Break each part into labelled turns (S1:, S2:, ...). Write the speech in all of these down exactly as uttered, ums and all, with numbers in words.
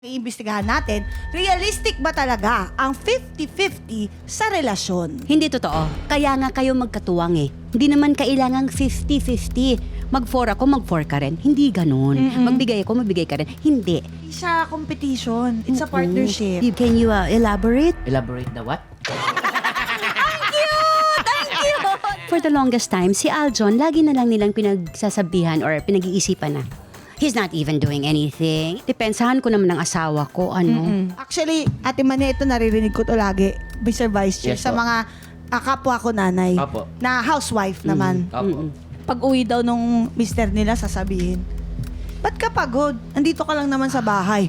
S1: Iimbestigahan natin, realistic ba talaga ang fifty-fifty sa relasyon?
S2: Hindi totoo. Kaya nga kayo magkatuwang eh. Hindi naman kailangang fifty-fifty. Mag-four ako, mag-four ka rin. Hindi ganun.
S1: Mm-mm.
S2: Magbigay ako, magbigay ka rin. Hindi.
S1: Hindi siya competition. It's a
S2: Mm-mm.
S1: partnership.
S2: You- Can you uh, elaborate?
S3: Elaborate the what?
S2: For the longest time, si Aljon, lagi na lang nilang pinagsasabihan or pinag-iisipan na, he's not even doing anything. Depensahan ko naman ng asawa ko, ano.
S1: Mm-mm. Actually, Ate Mane, ito naririnig ko to lagi, Mister Vice Chair,
S3: Yes,
S1: sa
S3: po.
S1: mga ah, kapwa ko nanay,
S3: Opo.
S1: na housewife naman.
S3: Opo.
S1: Pag uwi daw nung mister nila, sasabihin, ba't ka pagod? Andito ka lang naman sa bahay.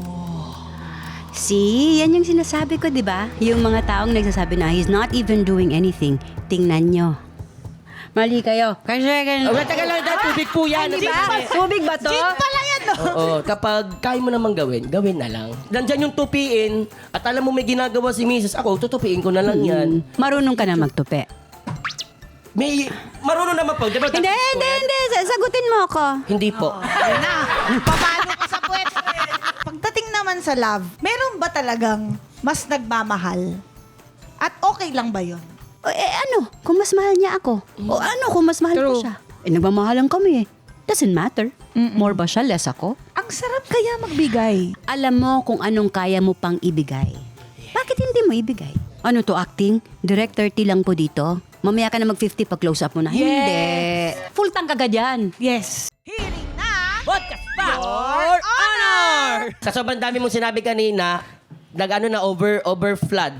S2: See, yan yung sinasabi ko, di ba? Yung mga taong nagsasabi na he's not even doing anything. Tingnan nyo. Mali kayo. Kasi ganun.
S3: Oh, tagal lang dahil tubig po yan.
S2: Di ba? Tubig ba to?
S1: Gin pala yan, no?
S3: Oo, kapag kaya mo namang gawin, gawin na lang. Nandyan yung tupiin, at alam mo may ginagawa si Missus Ako, tutupiin ko na lang yan.
S2: Marunong ka na magtupi.
S3: May, marunong naman po, di ba?
S2: Hindi, hindi, hindi. Sagutin mo ako.
S3: Hindi po.
S1: Ayun na, papalo ka sa puwet. Pagdating naman sa love, meron ba talagang mas nagmamahal? At okay lang ba yun?
S2: O, eh ano, kung mas mahal niya ako. O ano, kung mas mahal ko
S1: True.
S2: siya. Eh, nagmamahalan kami eh. Doesn't matter. More ba siya, less ako?
S1: Ang sarap kaya magbigay.
S2: Alam mo kung anong kaya mo pang ibigay. Bakit hindi mo ibigay? Ano to, acting? Direct thirty lang po dito. Mamaya ka na mag-fifty pag close up mo na.
S1: Yes.
S2: Hindi. Full tank agad yan.
S1: Yes. Hearing na
S3: Podcast pa!
S1: Your Honor!
S3: Sa sobrang dami mong sinabi kanina, nag-ano na over, over flood.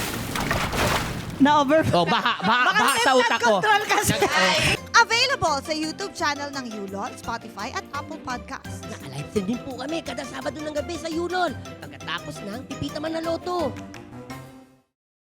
S1: na over.
S3: Oh, baha, baha, baha sa utak ko.
S1: Control kasi.
S3: Nag-
S1: Available sa YouTube channel ng Yulon, Spotify at Apple Podcasts.
S3: Naka-live stream din po kami kada Sabado ng gabi sa Yulon. Pagkatapos ng Pipita Man na Loto.